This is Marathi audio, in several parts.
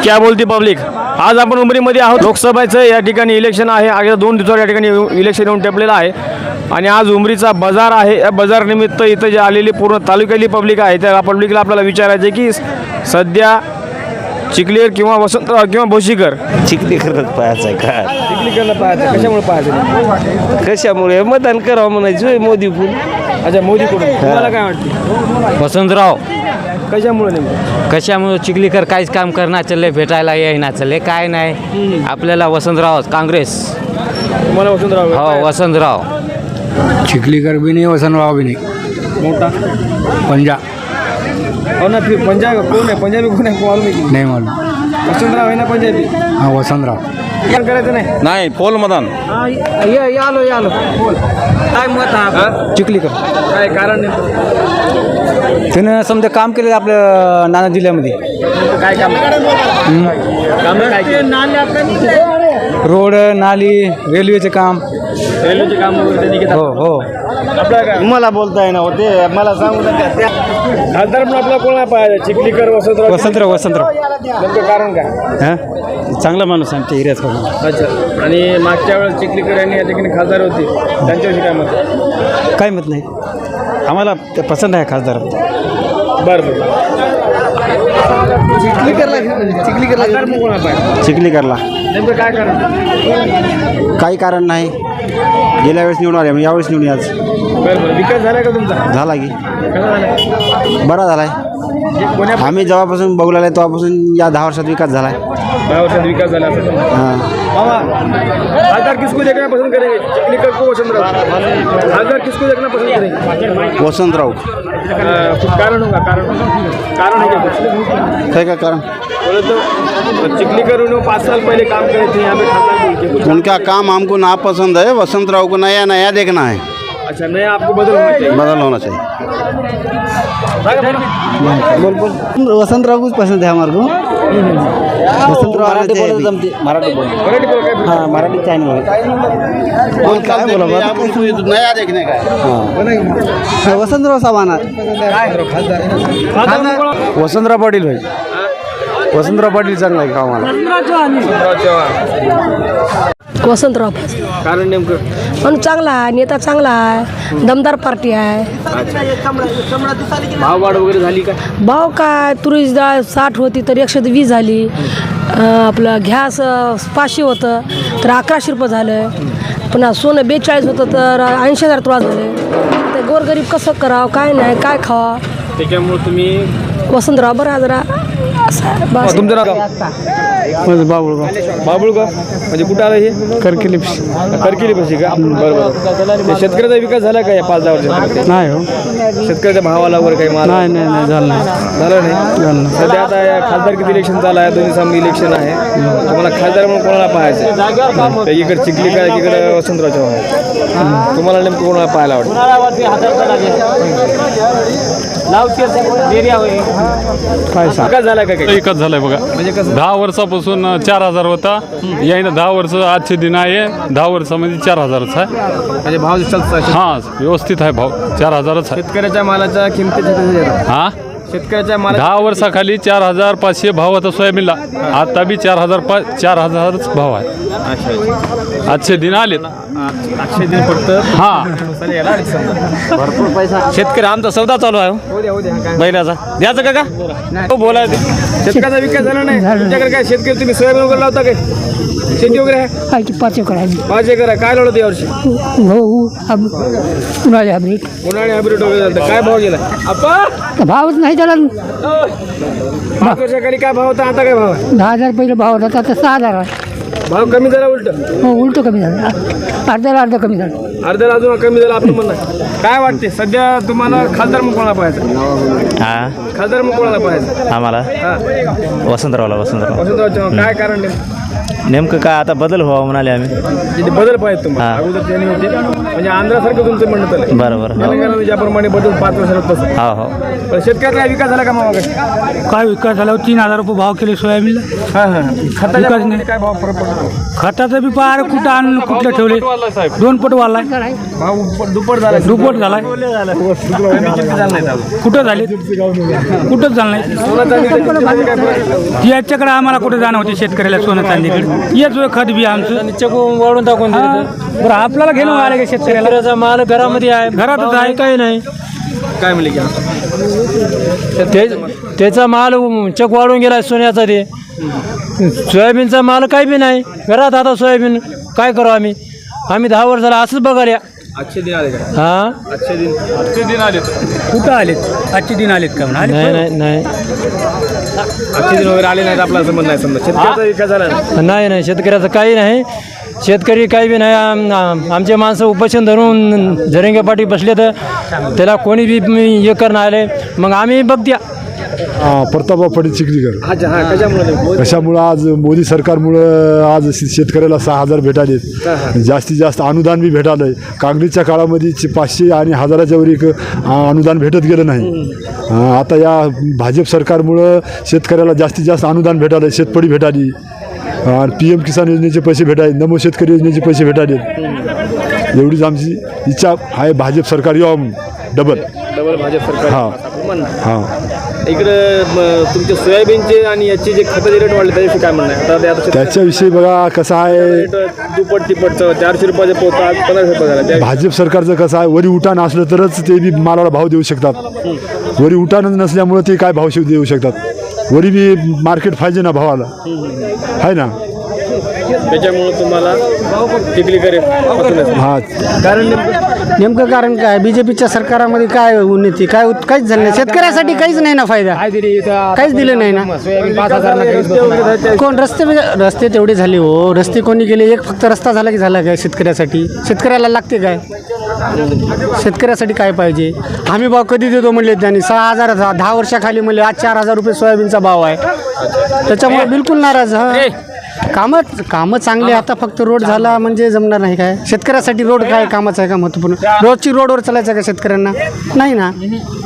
क्या बोलती पब्लिक. आज आपण उमरीमध्ये आहोत. लोकसभेचं या ठिकाणी इलेक्शन आहे. अगदी 2 दिवसावर या ठिकाणी इलेक्शन येऊन टेपलेलं आहे आणि आज उमरीचा बाजार आहे. या बाजारनिमित्त इथं जे आलेली पूर्ण तालुक्यातली पब्लिक आहे त्या पब्लिकला आपल्याला विचारायचं आहे की सध्या चिखलीकर किंवा वसंतराव किंवा भोशीकर. चिखलीकरच पाहायचं आहे का? चिखलीकरला पाहायचं. कशामुळे पाहायचं? कशामुळे मतदान करावं म्हणायचं मोदी पण. अच्छा, मोदीकडून. तुम्हाला काय वाटतं? वसंतराव कशामुळे नेमकं? कशामुळे चिखलीकर काहीच काम करणार चालले, भेटायला येईना चालले, काय नाही. आपल्याला वसंतराव काँग्रेस. तुम्हाला वसंतराव हो वसंतराव. चिखलीकर भी नहीं वसंतराव भी नहीं. मोठा पंजा हो ना. फिर पंजाब कोण आहे? पंजाबी कोण आहे? मालूम आहे की नहीं मालूम. वसंतराव आहे ना पंजाबी. हाँ वसंतराव. काय करायचं नाही. नाही पोल मतदान आलो बोल. काय मत आहे? चिखलीकर काय कारण नाही? त्यानं समजा काम केलं आपल्या नाना जिल्ह्यामध्ये. काय काम काम काय केलं? रोड नाली रेल्वेचे काम. रेल्वेचे काम वगैरे त्यांनी घेतलं. हो हो. आपला काय मला बोलताय ना होते मला सांगू नका. खासदार पण आपला कोण पाहिजे? चिखलीकर वसंतराव. वसंतराव वसंतराव नेमकं कारण काय? हां चांगला माणूस आमच्या एरियात. अच्छा. आणि मागच्या वेळेस चिखलीकर यांनी या ठिकाणी खासदार होते त्यांच्याविषयी काय मत? काय मत नाही आम्हाला ते पसंत आहे खासदार. बरं चिखलीकरला खासदार पण कोण पाहिजे? चिखलीकरला नेमकं काय कारण? काही कारण नाही. गेल्या वेळेस निवडून आले यावेळेस निवडून आज बरं विकास झाला का तुमचा? झाला की कसा झाला? बरा झालाय. कोण्या आम्ही जेव्हापासून बघू लागले तेव्हापासून या 10 वर्षात विकास झालाय. 10 वर्षात विकास झाला असं समजा. हां मामा खासदार किसको देखना पसंद करेंगे? चिखलीकर को वसंतराव? खासदार किसको देखना पसंद करेंगे? वसंतराव. कुछ कारण होगा? कारण है क्या कुछ? है का कारण? बोले तो चिखलीकर उन्होंने 5 साल पहले काम करे थे यहाँ पे खासदार बोल के कुछ. उनका काम हमको ना पसंद है. वसंतराव को नया नया देखना है. अच्छा, नया आपको बदल होना चाहिए. बदल होना चाहिए. वसंतराव को पसंद है हमारे को. वसंतराव मराठी बोल. मराठी बोल काय? हाँ मराठी चैनल क्या बोला नया देखने का है. वसंतराव सामान. वसंतराव पाटील भाई. वसंतराव पाटील चांगला आहे कामाला. वसंतराव. कारण नेमकं म्हणून चांगला आहे, नेता चांगला आहे, दमदार पार्टी आहे. भाववाढ वगैरे झाली का? भाव काय तुरीची डाळ 60 होती तर 120 झाली. आपलं गॅस 500 होतं तर 1100 रुपये झालं. पुन्हा सोनं 42 होतं तर 80,000 तुळा झालं. ते गोरगरीब कसं करावं, काय नाही, काय खावा. त्याच्यामुळे तुम्ही वसंतराव बरा जरा असं आहे. बस. तुमचं नाव? बाबुळगाव. बाबुळगाव म्हणजे कुठं आलं हे? करकेली करकेली पाशी का? बरोबर. शेतकऱ्याचा विकास झाला का या 5-10 वर्षात? नाही हो. शेतकऱ्याच्या भावाला वगैरे काही माल नाही नाही नाही झालं नाही. झालं नाही. सध्या आता या खासदारकीचं इलेक्शन चालू आहे. दोन्ही सामने इलेक्शन आहे. तुम्हाला खासदार म्हणून कोणाला पाहायचं? एकीकडे चिखलीकर, एकीकडे वसंतराव चव्हाण. तुम्हाला नेमकं कोणाला पाहायला आवडतं? विकास झाला का काही? एकच झालंय बघा. म्हणजे कसं? 10 वर्षापासून 4,000 होता. यायनं 10 वर्ष आजचे दिन आहे. 10 वर्षामध्ये 4,000च आहे. म्हणजे भाव चालतात. हां व्यवस्थित आहे भाव 4,000च आहे. शेतकऱ्याच्या मालाच्या किमतीच्या हां शेतकऱ्याच्या माला 10 वर्षाखाली 4,500 भाव होता सोयाबीनला. आता बी 4,000च भाव आहे. आजचे दिन आलेत. आठशे दिन फक्त. हां भरपूर पैसा. शेतकरी आमचा सौदा चालू आहे हो द्या काय महिन्याचा. द्यायचं का हो बोलायचं. शेतकऱ्याचा विकास झाला नाही तुमच्याकडे काय? शेतकरी तुम्ही सोयाबीन वगैरे लावता काय? शेती वगैरे आहे? 5 एकर आहे. 5 एकर आहे. काय लावलं यावर्षी? उन्हाळी हायब्रिड. उन्हाळी हायब्रिड वगैरे झालं. काय भाव गेला आपण? भावच नाही त्याला. 5 वर्षाखाली काय भाव होता? आता काय भाव आहे? 10,000 पहिलं भाव होता आता 6,000 आहे. भाव कमी झाला उलट? हो उलटं कमी झालं. अर्धा कमी झालं. अर्ध्याला अजून कमी झाला आपलं म्हणणं. काय वाटते सध्या तुम्हाला खासदार मग कोणाला पाहायचं? खासदार मग कोणाला पाहायचं? आम्हाला हां वसंतरावला. वसंतराव चव्हाण. काय कारण नाही? नेमकं काय आता बदल व्हावा म्हणाले आम्ही. बदल पाहिजे तुम्हाला अगोदर त्यांनी होते म्हणजे आंध्रासारखं तुमचं म्हणणं चाललंय. बरोबर. तेलंगणामध्ये ज्याप्रमाणे बदल 5 वर्षात तसं. हो. पण शेतकऱ्याचा काय विकास झाला का मग काय विकास झाला 3,000 रुपये भाव केले सोयाबीनला. खताच्या विकास भावामध्ये नाही. काय भाव फरक पडतो? खताचं बी पार कुठं आणून कुठलं ठेवले 2 पट वाढलाय. भाव दुप्पट झाला. दुप्पट झालाय. कमी किती झालं नाही झालं. कुठं झाले कुठंच झालं नाही. सोनं चांदीच्या किमतीमध्ये काय फरक आहे? याच्याकडे आम्हाला कुठं जाणं होते शेतकऱ्याला सोनं चांदीकडे. येच खत बी आमचं वाढून टाकून बरं आपल्याला घेणं आलं का शेतकऱ्याला. माल घरामध्ये आहे, घरातच आहे काही नाही. काय म्हणले की त्याचा माल चक वाढून गेला सोन्याचा. ते सोयाबीनचा माल काही बी नाही घरात. आता सोयाबीन काय करू आम्ही 10 वर्ष झाला असंच बघायला. आजचे दिन आले का? हां आजचे दिन आले. कुठं आलेत आजचे दिन आलेत का म्हणा. नाही आजचे दिन वगैरे आले नाहीत आपलं असं म्हणणं आहे. समजा शेतकऱ्याचा विकास झाला नाही. नाही शेतकऱ्याचं काही नाही. शेतकरी काही बी नाही. आमचे माणसं उपोषण धरून झरेंगे पाठी बसले तर त्याला कोणी बी हे करणार आले मग आम्ही बघत्या. प्रतापराव पाटील चिखलीकर. अच्छा हां कशामुळे? कशामुळं आज मोदी सरकारमुळं आज शेतकऱ्याला 6,000 भेटालेत. जास्तीत जास्त अनुदान बी भेटालं आहे. काँग्रेसच्या काळामध्ये 500 आणि 1000च्या वर एक अनुदान भेटत गेलं नाही. आता या भाजप सरकारमुळं शेतकऱ्याला जास्तीत जास्त अनुदान भेटालं आहे. शेतपडी भेटाली, PM किसान योजनेचे पैसे भेटाले, नमो शेतकरी योजनेचे पैसे भेटाले. एवढीच आमची इच्छा आहे भाजप सरकार यावं म्हणून. डबल भाजप सरकार. हां. इकडं तुमचे सोयाबीनचे आणि याचे जे खताचे रेट वाढले त्याच्याविषयी काय म्हणणं आहे? आता ते आता त्याच्याविषयी बघा कसं आहे, रेट दुप्पट तिप्पटचं 400 रुपयाचे पोता 15 रुपये झाला. त्या भाजप सरकारचं कसं आहे, वरी उठाण असलं तरच ते बी मालाला भाव देऊ शकतात. वरी उठाणच नसल्यामुळं ते काय भाव देऊ शकतात. वरी बी मार्केट पाहिजे ना भावाला, आहे ना. त्याच्यामुळं तुम्हाला चिखलीकर हां. नेमकं कारण काय BJPच्या सरकारामध्ये काय उन्नती काहीच झालं नाही. शेतकऱ्यासाठी काहीच नाही ना फायदा. काहीच दिलं नाही ना. कोण रस्ते तेवढे झाले हो. रस्ते कोणी गेले? एक फक्त रस्ता झाला की झाला काय शेतकऱ्यासाठी? शेतकऱ्याला लागते काय? शेतकऱ्यासाठी काय पाहिजे? आम्ही भाव कधी देतो म्हणले त्यांनी 6,000 10 वर्षाखाली म्हणले. आज 4,000 रुपये सोयाबीनचा भाव आहे. त्याच्यामुळे बिलकुल नाराज. कामं चांगले. आता फक्त रोड झाला म्हणजे जमणार नाही काय? शेतकऱ्यासाठी रोड काय कामाचं आहे का महत्त्वपूर्ण? रोजची रोडवर चालायचं का शेतकऱ्यांना? नाही ना.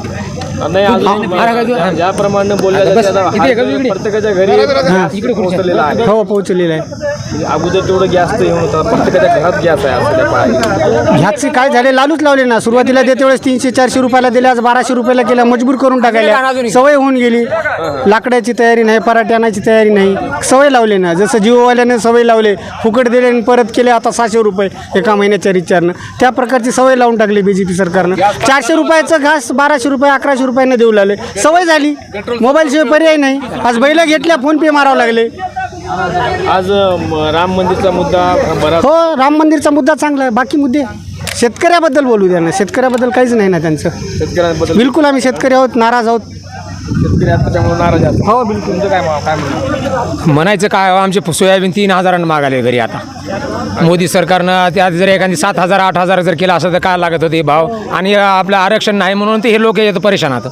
ज्याप्रमाणे प्रत्येकाच्या घरी पोहोचलेला आहे. हो पोहोचलेलं आहे. अगोदर तेवढं गॅस तर येऊन होतं. प्रत्येकाच्या घरात गॅस आहे. ह्याचे काय झाले? लालूच लावले ना. सुरुवातीला देते वेळेस 300-400 रुपयाला दिले. आज 1200 रुपयाला केला. मजबूर करून टाकायला. सवय होऊन गेली. लाकडाची तयारी नाही, पराठे आणायची तयारी नाही. सवय लावले ना. जसं जिओवाल्याने सवय लावले, फुकट दिले आणि परत केले. आता 600 रुपये एका महिन्याच्या रिचार्जनं. त्या प्रकारची सवय लावून टाकली BJP सरकारनं. 400 रुपयाचं घास 1200 रुपये 1100 रुपयाने देऊ लागले. सवय झाली. मोबाईलशिवाय पर्याय नाही. आज बैला घेतल्या फोनपे मारावं लागले. आज राम मंदिरचा मुद्दा बराच. हो राम मंदिरचा मुद्दा चांगला आहे. बाकी मुद्दे शेतकऱ्याबद्दल बोलू द्या ना. शेतकऱ्याबद्दल काहीच नाही ना त्यांचं. शेतकऱ्यांबद्दल बिलकुल आम्ही शेतकरी आहोत, नाराज आहोत. शेतकरी आता त्यामुळे नाराज आहेत. हो बिलकुल. तुमचं काय म्हणणं? म्हणायचं काय आमचे सोयाबीन 3,000 मागाले घरी. आता मोदी सरकारनं त्यात जर एखादी 7,000 8,000 जर केलं असं तर काय लागत होते भाव. आणि आपलं आरक्षण नाही म्हणून ते हे लोक येतं परेशान. आता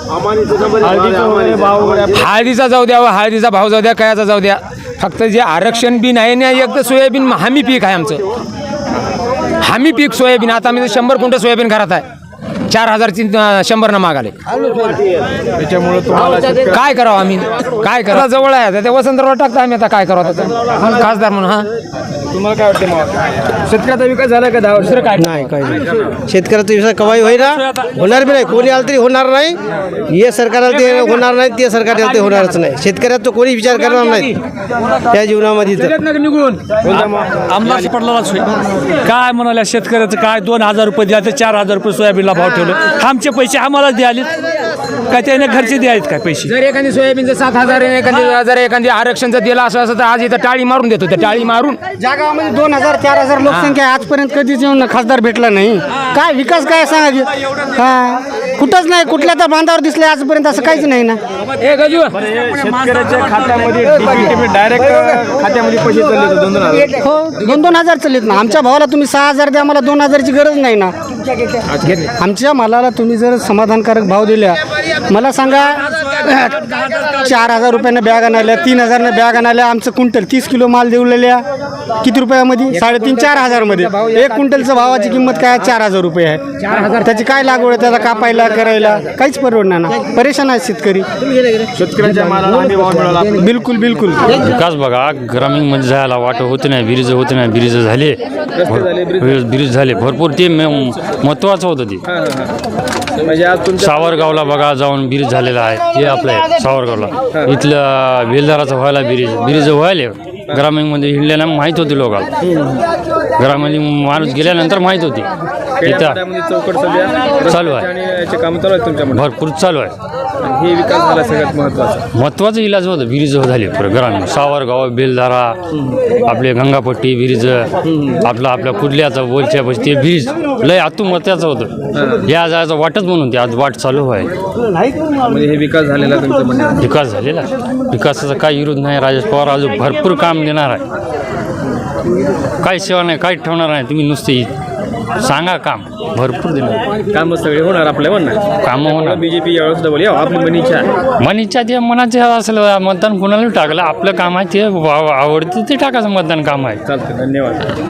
हळदीचा जाऊ द्या, हळदीचा भाव जाऊ द्या, कयाचा जाऊ द्या. फक्त जे आरक्षण बी नाही ना. एक तर सोयाबीन हमी पीक आहे आमचं. हमी पीक सोयाबीन. आता आम्ही 100 क्विंटल सोयाबीन घरात आहे. 4,000ची 100 मागाले. त्याच्यामुळे तुम्हाला काय करावं आम्ही? काय करा जवळ आहे त्या वसंतराव टाकता आम्ही. आता काय करावं त्याचं खासदार म्हणून. हां तुम्हाला काय वाटतं मग? शेतकऱ्याचा विकास झाला का 10 वर्ष? काय नाही काही नाही. शेतकऱ्याचा विकास कवाई होईना, होणार बी नाही. कोणी आलं तरी होणार नाही. हे सरकार आलं ते होणार नाही, ते सरकार आलं ते होणारच नाही. शेतकऱ्याचा कोणी विचार करणार नाही त्या जीवनामध्ये. निघून आमदार पडला काय म्हणाल्या शेतकऱ्याचं काय 2,000 रुपये द्या, 4,000 रुपये सोयाबीनला भाव ठेवले. आमचे पैसे आम्हाला द्याले काय? त्याने घरचे द्यायत काय पैसे? जर एखादी सोयाबीनचं 7,000 जर एखादी आरक्षणचं दिलं असं तर आज इथं टाळी मारून देतो. त्या टाळी मारून ज्या गावामध्ये 2,000-4,000 लोकसंख्या आहे, आजपर्यंत कधीच येऊन खासदार भेटला नाही. काय विकास काय सांगा की? कुठंच नाही. कुठल्या तर बांधावर दिसले आजपर्यंत असं काहीच नाही ना. शेतकऱ्याच्या खात्यामध्ये डायरेक्ट खात्यामध्ये पैसे चालले 2,000. हो 2,000 चाललेत ना. आमच्या भावाला तुम्ही 6,000 द्या, मला 2,000ची गरज नाही ना. आमच्या मालाला तुम्ही जर समाधानकारक भाव दिला, मला सांगा 4,000 रुपयानं बॅग आणायला, 3,000 बॅग आणायला. आमचं क्विंटल 30 किलो माल देऊलेल्या किती रुपयामध्ये? 3,500-4,000 मध्ये. एक क्विंटलचं भावाची किंमत काय? 4,000 रुपये आहे. त्याची काय लागवड आहे? त्याला कापायला करायला काहीच परवडणार ना. परेशान आहे शेतकरी. शेतकऱ्यांच्या मालाला हमी भाव मिळाला. बिलकुल बिलकुल. विकास बघा ग्रामीणमध्ये जायला वाटत होते नाही, ब्रिज होते नाही, ब्रिज झाले, ब्रिज झाले भरपूर. ते महत्वाचं होतं ते. म्हणजे आज तुमच्या सावरगावला बघा जाऊन ब्रिज झालेला आहे. हे आपलं आहे सावरगावला. इथलं बेलदाराचं व्हायला ब्रिज व्हायला ग्रामीणमध्ये हिंडल्यानं माहीत होती लोकांना. ग्रामीण माणूस गेल्यानंतर माहीत होती. इथं चौकट सध्या चालू आहे आणि याचे काम चालू आहेत तुमच्यामध्ये. भरपूर चालू आहे. हे विकास झाला सगळ्यात महत्वाचा. महत्वाचं इलाज होतं ब्रिज झाले ग्रामीण. सावरगाव, बेलदारा, आपले गंगापट्टी ब्रिज, आपल्या कुर्ल्याचं बोलच्या ते ब्रिज लय आतून महत्वाचं होतं. या जायचं वाटच म्हणून ते आज वाट चालू आहे. म्हणजे हे विकास झालेला तुमचं म्हणणं. विकास झालेला. विकासाचा काही विरोध नाही. राजेश पवार अजून भरपूर काम देणार आहे. काही सेवा नाही, काही ठेवणार नाही. तुम्ही नुसते सांगा काम भरपूर देणार. कामं सगळे होणार आपल्या म्हणणार. कामं होणार. बीजेपी यावेळेस डबल या आपली मनीच्या मनीच्या ते मनाचे असेल मतदान कोणाला टाकलं आपलं काम आहे ते आवडते ते टाकायचं मतदान काम आहे. चालतं. धन्यवाद.